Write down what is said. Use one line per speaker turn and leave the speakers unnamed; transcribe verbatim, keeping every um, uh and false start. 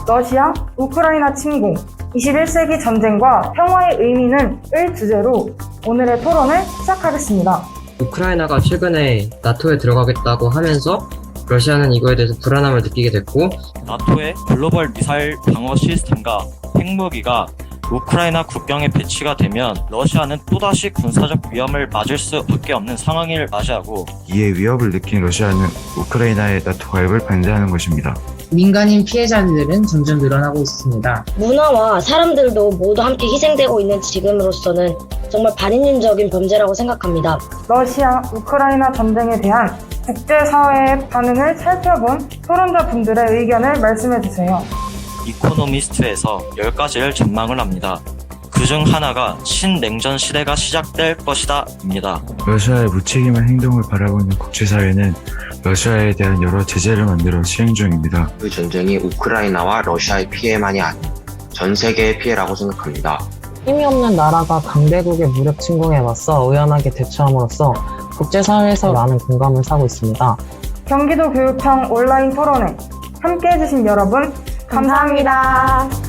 러시아, 우크라이나 침공, 이십일 세기 전쟁과 평화의 의미는 을 주제로 오늘의 토론을 시작하겠습니다.
우크라이나가 최근에 나토에 들어가겠다고 하면서 러시아는 이거에 대해서 불안함을 느끼게 됐고,
나토의 글로벌 미사일 방어 시스템과 핵무기가 우크라이나 국경에 배치가 되면 러시아는 또다시 군사적 위험을 맞을 수밖에 없는 상황을 맞이하고,
이에 위협을 느낀 러시아는 우크라이나의 나토 가입을 반대하는 것입니다.
민간인 피해자들은 점점 늘어나고 있습니다.
문화와 사람들도 모두 함께 희생되고 있는 지금으로서는 정말 반인륜적인 범죄라고 생각합니다.
러시아, 우크라이나 전쟁에 대한 국제사회의 반응을 살펴본 토론자분들의 의견을 말씀해주세요.
이코노미스트에서 열 가지를 전망을 합니다. 그중 하나가 신냉전 시대가 시작될 것이다 입니다.
러시아의 무책임한 행동을 바라보는 국제사회는 러시아에 대한 여러 제재를 만들어 시행 중입니다.
그 전쟁이 우크라이나와 러시아의 피해만이 아닌 전 세계의 피해라고 생각합니다.
힘이 없는 나라가 강대국의 무력 침공에 맞서 의연하게 대처함으로써 국제사회에서 많은 공감을 사고 있습니다.
경기도 교육청 온라인 토론회 함께해주신 여러분 감사합니다.